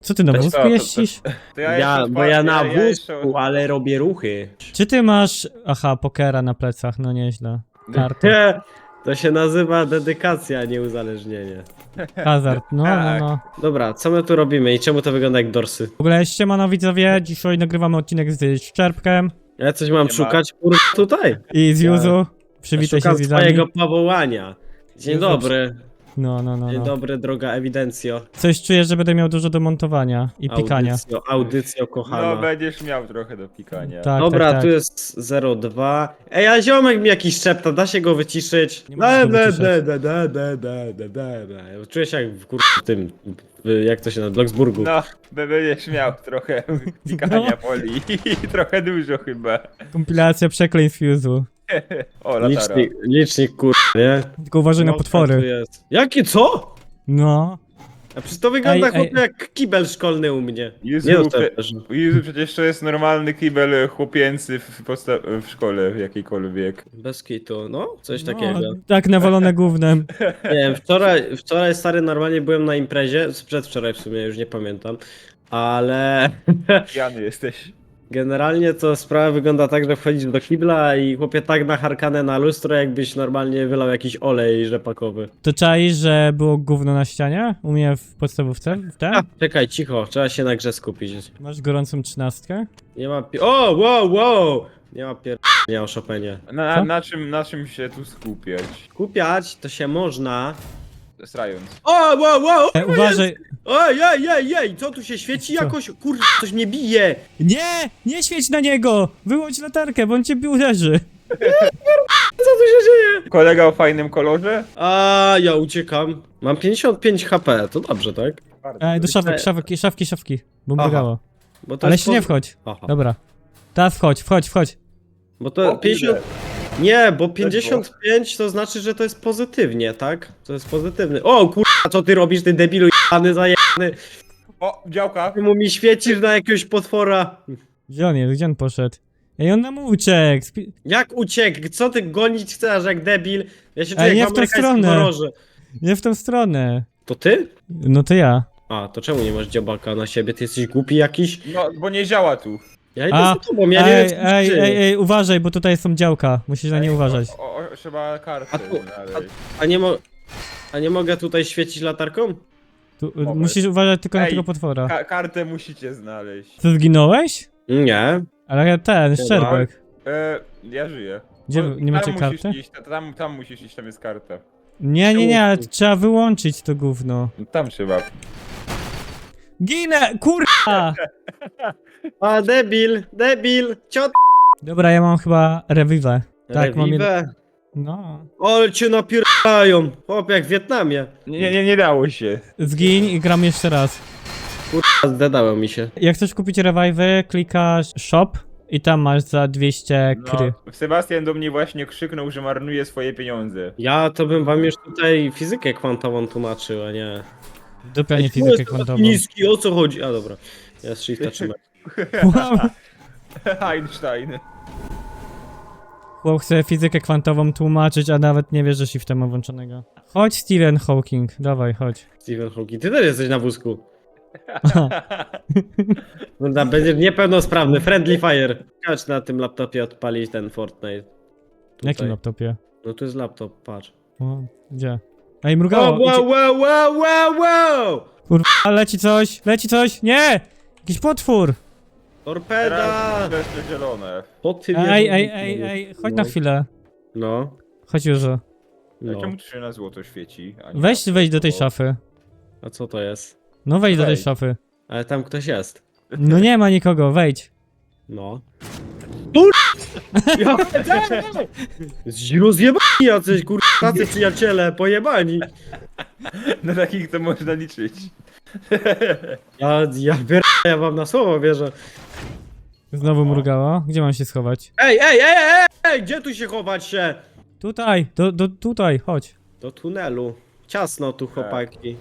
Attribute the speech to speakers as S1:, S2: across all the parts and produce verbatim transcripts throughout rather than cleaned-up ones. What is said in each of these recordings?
S1: Co ty na
S2: Weź
S1: wózku
S2: to, to-
S1: jeździsz?
S2: To
S3: Ja,
S2: jeszcze
S3: bo ja na
S2: ja jeszcze-
S3: wózku, ale robię ruchy.
S1: Czy ty masz... Aha, pokera na plecach, no nieźle. Kartę.
S3: To się nazywa dedykacja, a nie uzależnienie.
S1: Hazard, no, no, no.
S3: Dobra, co my tu robimy i czemu to wygląda jak dorsy?
S1: W ogóle siemano widzowie, dzisiaj nagrywamy odcinek z Szczerbkiem
S3: Ja coś mam
S2: Nie ma.
S3: szukać, kurwa, tutaj.
S1: i z Juzu. Przywitaj się
S3: Szukam
S1: z widzami.
S3: swojego powołania. Dzień
S1: Jezu,
S3: dobry.
S1: No, no, no,
S3: Dzień
S1: no.
S3: dobry, droga ewidencjo.
S1: Coś czuję, że będę miał dużo do montowania i pikania.
S3: Audycjo, audycjo
S2: No
S3: kochana.
S2: będziesz miał trochę do pikania.
S1: Tak,
S3: Dobra,
S1: tak, tak.
S3: tu jest zero dwa. Ej, a ziomek mi jakiś szepta, da się go wyciszyć?
S1: Nie możesz go
S3: Da, da,
S1: wyciszać.
S3: da, da, da, da, da, da, da. Czuję się jak w kur... w tym, w, jak to się nazywa, Bloksburgu.
S2: No, b- będziesz miał trochę pikania
S1: No.
S2: poli i trochę dużo chyba.
S1: Kompilacja przekleństw Juzu.
S2: O, latara.
S3: Licznik, licznik kur... nie?
S1: Tylko uważaj na
S3: No, tu
S1: potwory.
S3: jest. Jakie, co?
S1: No.
S3: A przecież to wygląda
S1: Ej, ej.
S3: chłopie jak kibel szkolny u mnie.
S2: Jezu,
S3: Nie no, to
S2: prze-
S3: też.
S2: Jezu, przecież to jest normalny kibel chłopięcy w, posta- w szkole jakiejkolwiek.
S3: Bez kitu, no, coś
S1: No,
S3: takiego.
S1: tak nawalone gównem.
S3: Nie wiem, wczoraj, wczoraj stary normalnie byłem na imprezie, przedwczoraj w sumie, już nie pamiętam, ale
S2: Pijany jesteś.
S3: generalnie to sprawa wygląda tak, że wchodzisz do kibla i chłopie tak nacharkane na lustro, jakbyś normalnie wylał jakiś olej rzepakowy.
S1: To czaisz, że było gówno na ścianie? U mnie w podstawówce? W
S3: A,
S1: tym?
S3: czekaj, cicho, trzeba się na grze skupić.
S1: Masz gorącą trzynastkę?
S3: Nie ma pi- O, wow, wow! Nie ma pier... nie o Chopinie.
S2: Na,
S1: Co?
S2: na, czym, na czym się tu skupiać?
S3: Skupiać to się można...
S2: Strając.
S3: O, wow, wow!
S1: E, uważaj.
S3: Oj, ej, ej, ej, co tu się świeci
S1: Co?
S3: jakoś? Kurde, coś mnie bije!
S1: Nie! Nie świeć na niego! Wyłącz latarkę, bo on cię uderzy.
S3: Co tu się dzieje?
S2: Kolega o fajnym kolorze?
S3: A ja uciekam. Mam pięćdziesiąt pięć H P, to dobrze, tak?
S1: Ej, do szafek, szafki, szafki, szafki. Bo
S3: Aha.
S1: mrygało.
S3: Bo to
S1: Ale
S3: jest
S1: się nie
S3: poz-
S1: wchodź.
S3: Aha.
S1: Dobra. Teraz wchodź, wchodź, wchodź.
S3: Bo to
S2: O,
S3: pięćdziesiąt...
S2: kurde.
S3: Nie, bo pięćdziesiąt pięć to znaczy, że to jest pozytywnie, tak? To jest pozytywny. O kurwa, co ty robisz, ty debilu jebany, zajebany?
S2: O, działka!
S3: Ty mu mi świecisz na jakiegoś potwora.
S1: Gdzie on jest? Gdzie on poszedł? Ej, on nam uciekł. Spi-
S3: Jak uciekł? Co ty gonić chcesz jak debil? Ja się
S1: Ej,
S3: czuję
S1: nie
S3: jak
S1: w
S3: w
S1: tą
S3: amerykańskim
S1: stronę.
S3: horrorze.
S1: Nie w tą stronę.
S3: To ty?
S1: No to ja.
S3: A, to czemu nie masz dziobaka na siebie? Ty jesteś głupi jakiś?
S2: No, bo nie działa tu.
S3: Ja idę
S1: A,
S3: za tobą, ja nie
S1: ej,
S3: wiem co się
S1: ej,
S3: dzieje.
S1: ej, ej, uważaj, bo tutaj są działka. Musisz na nie
S2: Ej,
S1: uważać.
S2: O, o, trzeba kartę
S3: A tu-
S2: znaleźć.
S3: A nie, mo a nie mogę tutaj świecić latarką?
S1: Tu,
S2: Mogę.
S1: musisz uważać tylko na
S2: Ej,
S1: tego potwora.
S2: Ka kartę musicie znaleźć.
S1: Ty zginąłeś?
S3: Nie.
S1: Ale ten, Szczerbek.
S2: E, ja żyję.
S1: Gdzie,
S2: Bo
S1: nie macie
S2: tam musisz
S1: karty?
S2: Iść, tam, tam musisz iść, tam jest karta.
S1: Nie, nie, nie, ale trzeba wyłączyć to gówno.
S2: No, tam trzeba.
S1: Ginę, kurwa!
S3: A, debil, debil, ciot.
S1: Dobra, ja mam chyba rewiwę. Tak, mam jedno.
S3: Revive.
S1: No.
S3: Ale cię napierają. Chłop, jak w Wietnamie.
S2: Nie, nie, nie dało się.
S1: Zgiń i gram jeszcze raz.
S3: Kurwa, zdedało mi się.
S1: Jak chcesz kupić revive'y, klikasz shop i tam masz za dwieście kry.
S2: No, Sebastian do mnie właśnie krzyknął, że marnuje swoje pieniądze.
S3: Ja to bym wam już tutaj fizykę kwantową tłumaczył, a nie...
S1: Dupia nie
S3: Ej,
S1: fizykę
S3: jest
S1: kwantową.
S3: taki niski, o co chodzi? A dobra. Ja z shifta trzymam.
S1: Wow.
S2: Einstein.
S1: Chłop chce fizykę kwantową tłumaczyć, a nawet nie wie, że shifta ma włączonego. Chodź Stephen Hawking, dawaj, chodź.
S3: Stephen Hawking, ty też jesteś na wózku. No, da, będziesz niepełnosprawny, friendly fire. Kacz na tym laptopie odpalić ten Fortnite.
S1: W jakim laptopie?
S3: No tu jest laptop, patrz.
S1: O, gdzie? Ej,
S3: Wow,
S1: mrugało!
S3: wow,
S1: idzie-
S3: wow, wow, wow, wow!
S1: Kurwa, leci coś, leci coś, nie! Jakiś potwór!
S3: Torpeda!
S2: Teraz to jest to zielone.
S3: Po ty
S1: Ej, ej, ej, ej, chodź na chwilę.
S3: No,
S1: Chodź już.
S2: No.
S3: no.
S2: Czemu tu się na złoto świeci? a nie
S1: Weź,
S2: na
S1: wejdź do tej
S2: złoto?
S1: szafy.
S3: A co to jest?
S1: No wejdź do tej
S2: Wejdź.
S1: szafy.
S3: Ale tam ktoś jest.
S1: No nie ma nikogo, wejdź.
S3: No. Tur... Ja... Rozjebani jacyś, kur... tacy przyjaciele, pojebani.
S2: Na takich to można liczyć.
S3: Ja, ja, bier... ja wam na słowo wierzę.
S1: Znowu mrugało. Gdzie mam się schować?
S3: Ej, ej, ej, ej, ej, gdzie tu się chować się?
S1: Tutaj, do, do, tutaj, chodź.
S3: Do tunelu. Ciasno tu, chłopaki.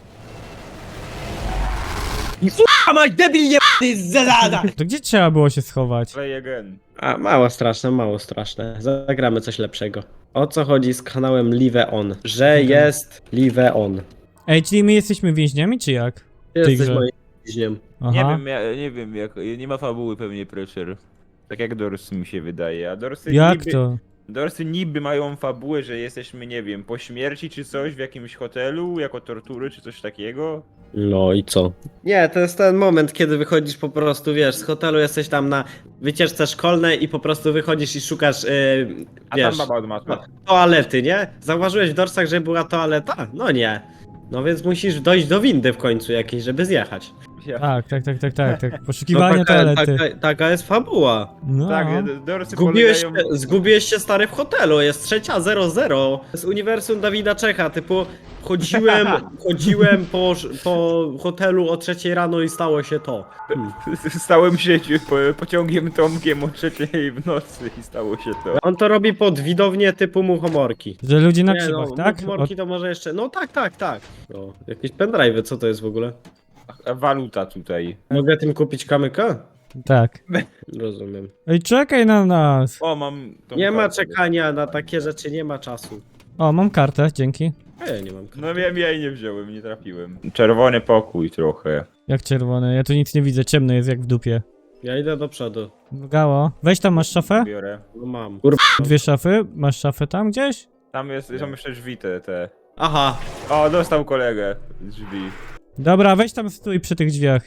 S3: A mać debil jebany z zelada!
S1: To gdzie trzeba było się schować?
S2: Play again.
S3: A, mało straszne, mało straszne. Zagramy coś lepszego. O co chodzi z kanałem Live On? Że jest Live On.
S1: Ej, czyli my jesteśmy więźniami, czy jak?
S3: Ty
S1: tej
S3: jesteś
S1: grze.
S3: moim bliźniom.
S1: Aha.
S2: Nie wiem, ja, nie wiem, jak, nie ma fabuły pewnie Preacher. Tak jak Dorsy mi się wydaje, a Dorsy
S1: Jak
S2: niby,
S1: to?
S2: Dorsy niby mają fabułę, że jesteśmy, nie wiem, po śmierci czy coś w jakimś hotelu, jako tortury czy coś takiego.
S3: No i co? Nie, to jest ten moment, kiedy wychodzisz po prostu, wiesz, z hotelu jesteś tam na wycieczce szkolnej i po prostu wychodzisz i szukasz, yy,
S2: A
S3: wiesz,
S2: tam baba od matła.
S3: to- toalety, nie? Zauważyłeś w dorsach, że była toaleta? No nie. No więc musisz dojść do windy w końcu jakiejś, żeby zjechać.
S2: Ja,
S1: Tak, tak, tak, tak, tak, tak.
S3: No
S1: Poszukiwanie
S3: taka,
S1: toalety.
S3: taka, taka jest fabuła.
S1: No.
S2: tak, Dorsy
S3: Zgubiłeś
S2: polegają...
S3: się, zgubiłeś się stary w hotelu, jest trzecia zero zero. Z uniwersum Dawida Czecha, typu chodziłem, chodziłem po, po hotelu o trzeciej rano i stało się to. Hmm.
S2: Stałem się po, pociągiem Tomkiem o trzeciej w nocy i stało się to.
S3: On to robi pod widownię typu muchomorki.
S1: Że ludzi na
S3: Nie
S1: krzywach,
S3: no,
S1: tak?
S3: muchomorki to może jeszcze, no tak, tak, tak. No, jakieś pendrive'y, co to jest w ogóle?
S2: A waluta tutaj.
S3: Mogę tym kupić kamyka?
S1: O, tak.
S3: Rozumiem.
S1: Ej, czekaj na nas.
S2: O, mam... tą
S3: Nie ma
S2: kartę.
S3: czekania na takie rzeczy, nie ma czasu.
S1: O, mam kartę, dzięki.
S3: A ja nie mam karty.
S2: No wiem, ja jej nie wziąłem, nie trafiłem. Czerwony pokój trochę.
S1: Jak czerwone, ja tu nic nie widzę, ciemno jest jak w dupie.
S3: Ja idę do przodu.
S1: Gało. Weź tam, masz szafę?
S2: Biorę.
S3: No mam. Kurwa.
S1: Dwie szafy? Masz szafę tam gdzieś?
S2: Tam jest, są jeszcze drzwi te, te.
S3: Aha.
S2: O, dostał kolegę z drzwi.
S1: Dobra, weź tam stój przy tych drzwiach.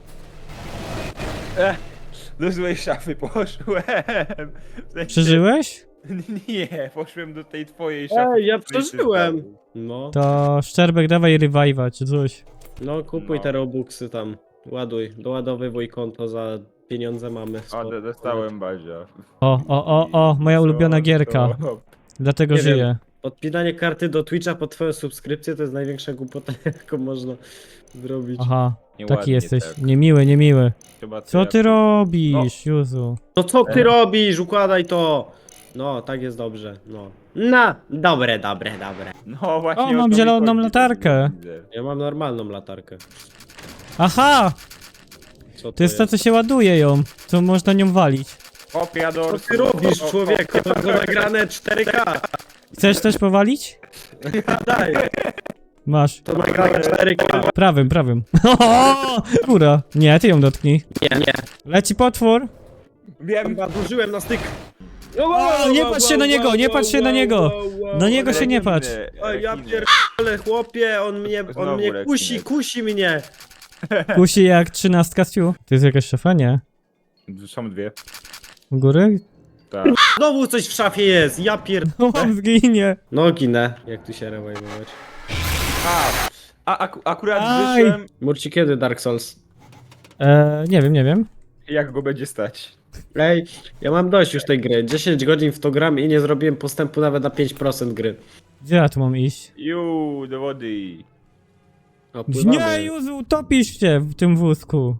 S2: Eh, do złej szafy poszłem. W sensie-
S1: Przeżyłeś?
S2: Nie, poszłem do tej twojej szafy.
S3: Ej, ja
S2: w której ty
S3: przeżyłem.
S2: stał.
S3: No.
S1: To Szczerbek, dawaj revive'a czy coś.
S3: No kupuj
S2: No.
S3: te robuxy tam. Ładuj. Doładowywuj konto za pieniądze mamy.
S2: O,
S3: spoko.
S2: do- dostałem Bazia.
S1: O, o, o, o, moja ulubiona
S2: Co
S1: gierka.
S2: to?
S1: Dlatego
S3: Nie wiem.
S1: żyję.
S3: Podpinanie karty do Twitcha pod twoją subskrypcję to jest największa głupota, jaką można zrobić.
S1: Aha,
S2: Nieładnie
S1: taki jesteś.
S2: tak.
S1: Niemiły, niemiły.
S2: Chyba
S1: Co
S2: ja-
S1: ty robisz, Juzu?
S3: No co ty
S2: E.
S3: robisz? Układaj to! No, tak jest dobrze, no. No, dobre, dobre, dobre.
S2: No właśnie.
S1: O,
S2: to
S1: mam
S2: mi
S1: zieloną
S2: chodzi,
S1: latarkę.
S2: to widzę.
S3: Ja mam normalną latarkę.
S1: Aha!
S3: Co
S1: To jest to, co się ładuje ją. Co można nią walić.
S2: Kopia do...
S3: Co ty robisz, człowieku? To było nagrane cztery K.
S1: Chcesz też powalić?
S3: Daj,
S1: Masz.
S3: to nagrane cztery K.
S1: Prawym, prawym. O, góra. Nie, ty ją dotknij.
S3: Nie, nie.
S1: Leci potwór.
S2: Wiem.
S3: Chyba dłużyłem na styk.
S1: O, nie patrz się na niego, nie patrz się na niego. Na niego się nie patrz.
S3: Oj, ja
S2: Rekiny.
S3: pierdolę, chłopie, on mnie, on
S2: Znowu
S3: mnie
S2: rekinek.
S3: kusi, kusi mnie.
S1: Kusi jak trzynastka z fiu. To jest jakaś szafa, nie?
S2: Są dwie.
S1: U góry?
S2: Tak.
S3: Znowu coś w szafie jest, ja pier...
S1: No, on zginie.
S3: No ginę, jak tu się rewajmować.
S2: A, a ak akurat
S1: Aj.
S2: wyszłem,
S3: Murci, kiedy Dark Souls?
S1: Eee, nie wiem, nie wiem.
S2: jak go będzie stać.
S3: Ej, ja mam dość już tej gry. dziesięć godzin w to gram i nie zrobiłem postępu nawet na pięć procent gry.
S1: Gdzie ja tu mam iść?
S2: Ju, do wody.
S3: O, pływamy.
S1: Nie, Juzu, utopisz się w tym wózku.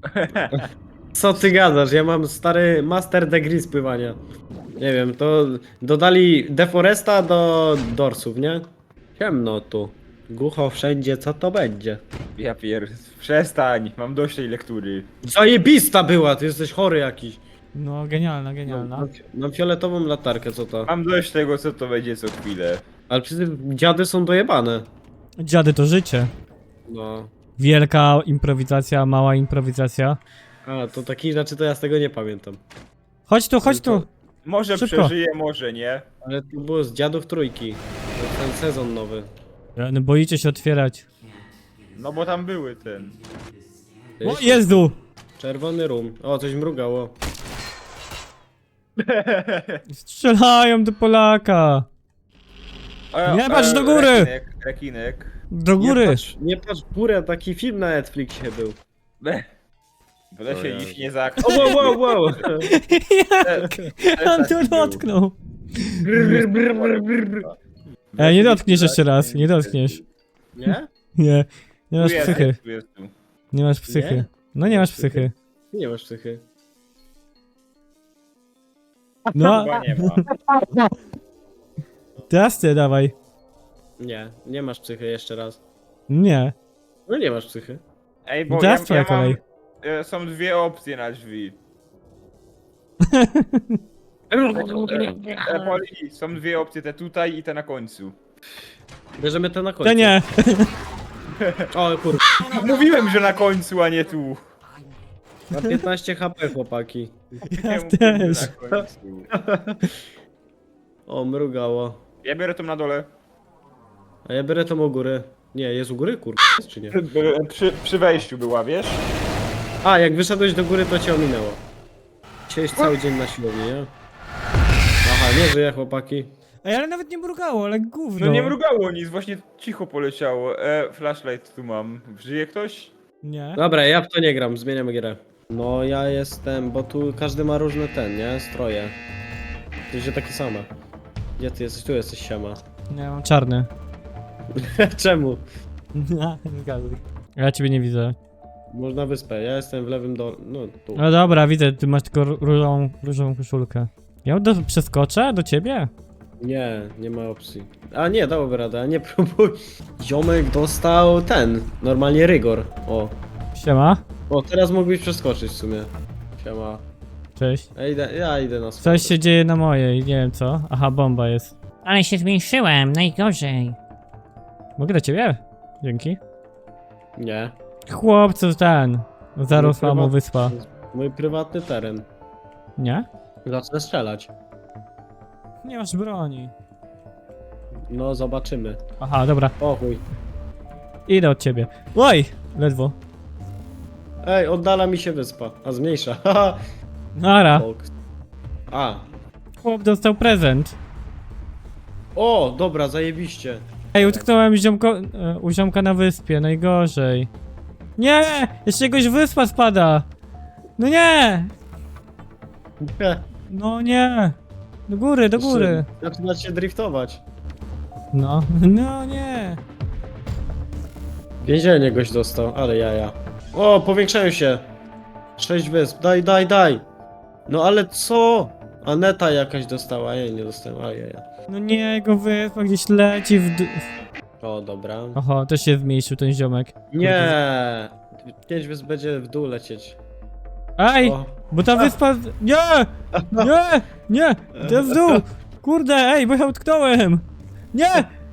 S3: Co ty gadasz? Ja mam stary master degree z pływania. Nie wiem, to dodali deforesta do dorsów, nie? Ciemno tu. Głucho wszędzie, co to będzie?
S2: Ja pier... Przestań, mam dość tej lektury.
S3: Zajebista była, ty jesteś chory jakiś.
S1: No, genialna, genialna.
S3: Mam, mam fioletową latarkę, co to?
S2: Mam dość tego, co to będzie co chwilę.
S3: Ale przecież dziady są dojebane.
S1: Dziady to życie.
S3: No.
S1: Wielka improwizacja, mała improwizacja.
S3: A, to takich rzeczy to ja z tego nie pamiętam.
S1: Chodź tu, chodź tu.
S2: Może
S1: Szybko.
S2: przeżyję, może nie.
S3: Ale to było z dziadów trójki. To jest ten sezon nowy.
S1: No, boicie się otwierać.
S2: No bo tam były ten.
S1: O, Jezu!
S3: Czerwony rum. O, coś mrugało.
S1: Strzelają do Polaka.
S2: O,
S1: Nie patrz
S2: e,
S1: do góry!
S2: Rekinek, rekinek.
S1: Do
S3: Nie
S1: góry.
S3: patrz, nie patrz w górę, taki film na Netflixie był.
S2: Be. W lesie
S3: O
S2: iść
S3: Jezu.
S2: nie za
S3: O, wow, wow, wow.
S1: On tu dotknął. E, nie dotkniesz jeszcze raz, nie dotkniesz.
S3: Nie?
S1: Nie. Nie masz
S2: Tu jest,
S1: psychy.
S2: tu jest, tu.
S1: Nie masz psychy.
S3: Nie?
S1: No nie masz psychy.
S3: Nie masz psychy.
S1: No,
S2: Chyba nie ma.
S1: teraz ty dawaj.
S3: Nie, nie masz psychy jeszcze raz.
S1: Nie.
S3: No nie masz psychy.
S2: Ej,
S1: No
S2: bo
S1: teraz
S2: ja,
S1: twoja
S2: ja mam,
S1: kolej.
S2: e, są dwie opcje na drzwi. E, Poli, są dwie opcje, te tutaj i te na końcu.
S3: Bierzemy to na końcu.
S1: To nie.
S3: O kur...
S2: Mówiłem, że na końcu, a nie tu.
S3: Ma piętnaście H P, chłopaki.
S1: Ja
S2: Nie mówiłem,
S1: też.
S2: że na końcu.
S3: O, mrugało.
S2: Ja biorę to na dole.
S3: A ja biorę tą u góry. Nie, jest u góry, kur... jest czy nie?
S2: Przy, przy wejściu była, wiesz?
S3: A, jak wyszedłeś do góry, to cię ominęło. Siedzisz cały dzień na siłowni, nie? Aha, nie żyje, chłopaki.
S1: Ej, ale nawet nie mrugało, ale gówno.
S2: No nie mrugało nic, właśnie cicho poleciało. E, flashlight tu mam. Żyje ktoś?
S1: Nie.
S3: Dobra, ja w to nie gram, zmieniamy grę. No, ja jestem, bo tu każdy ma różne ten, nie? Stroje. To jest takie same. Gdzie ty jesteś? Tu jesteś, siema.
S1: Nie, mam czarny.
S3: Czemu?
S1: Nie zgaduj. Ja ciebie nie widzę.
S3: Można wyspę, ja jestem w lewym dole, no tu.
S1: No dobra, widzę, ty masz tylko ró- różową, różową koszulkę. Ja do, przeskoczę do ciebie?
S3: Nie, nie ma opcji. A nie, dałoby radę, a nie próbuj. Ziomek dostał ten, normalnie rygor. O.
S1: Siema.
S3: O, teraz mógłbyś przeskoczyć w sumie. Siema.
S1: Cześć.
S3: Ja idę, ja idę na
S1: Coś
S3: schody.
S1: się dzieje na mojej, nie wiem co. Aha, bomba jest.
S4: Ale się zmniejszyłem, najgorzej.
S1: Mogę do ciebie? Dzięki.
S3: Nie.
S1: Chłopcu ten. Zarosła mu
S3: prywatny-
S1: wyspa.
S3: Mój prywatny teren.
S1: Nie?
S3: Zacznę strzelać.
S1: Nie masz broni.
S3: No, zobaczymy.
S1: Aha, dobra.
S3: O chuj.
S1: Idę od ciebie. Oj! Ledwo.
S3: Ej, oddala mi się wyspa. A zmniejsza. Haha.
S1: Nara.
S3: Box. A.
S1: Chłop dostał prezent.
S3: O, dobra, zajebiście.
S1: Ej, utknąłem ziomko, e, u ziomka na wyspie, najgorzej. Nie! Jeszcze jakoś wyspa spada! No nie! No nie! Do góry, do góry!
S3: Zaczyna się driftować.
S1: No, no nie!
S3: Więzienie goś dostał, ale jaja. O, powiększają się. Sześć wysp, daj, daj, daj. No ale co? Aneta jakaś dostała, ja jej nie dostałem, a jaja.
S1: No nie, jego wyspa gdzieś leci w dół.
S3: O, dobra.
S1: Oho, też się zmniejszył ten ziomek.
S3: Nie. Pięć wysp będzie w dół lecieć.
S1: Ej!
S3: O.
S1: Bo ta wyspa... Nie! Nie! Nie! To jest w dół! Kurde, ej, bo ja utknąłem! Nie!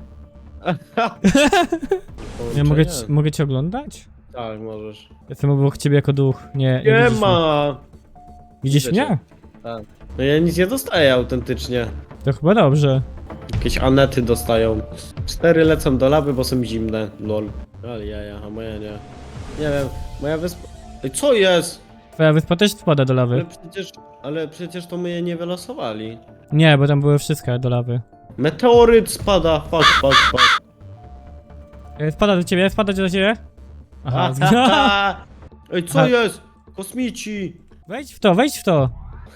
S1: Ja mogę, ci- mogę cię oglądać?
S3: Tak, możesz.
S1: Jestem obok ciebie jako duch. Nie,
S3: Nie
S1: widzisz mnie.
S3: ma!
S1: Widzisz
S3: Widzę cię.
S1: mnie?
S3: Tak. No ja nic nie dostaję autentycznie.
S1: To chyba dobrze.
S3: Jakieś anety dostają. Cztery lecą do lawy, bo są zimne. Lol. Ale jaja, a moja nie. Nie wiem, moja wyspa... Ej, co jest?
S1: Twoja wyspa też spada do
S3: Ale
S1: lawy.
S3: przecież... Ale przecież to my je nie wylosowali.
S1: Nie, bo tam były wszystkie do lawy.
S3: Meteoryt spada, fuck, fuck, fuck.
S1: E, Spada do ciebie, spada do ciebie? Aha, zginął.
S3: Ej, co
S1: Aha.
S3: jest? Kosmici!
S1: Wejdź w to, wejdź w to!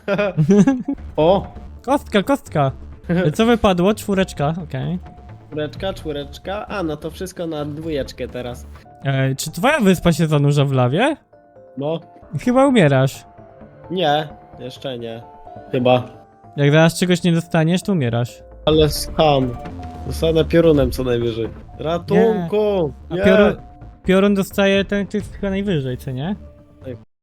S3: O!
S1: Kostka, kostka! E, Co wypadło? Czwóreczka, okej.
S3: Czwóreczka, czwóreczka. A, no to wszystko na dwójeczkę teraz.
S1: E, Czy twoja wyspa się zanurza w lawie?
S3: No,
S1: Chyba umierasz.
S3: nie, jeszcze nie. Chyba.
S1: Jak zaraz czegoś nie dostaniesz, to umierasz.
S3: Ale sam. Zostanę piorunem co najwyżej. Ratunku!
S1: A
S3: Nie!
S1: piorun, piorun dostaje ten, który jest chyba najwyżej, co nie?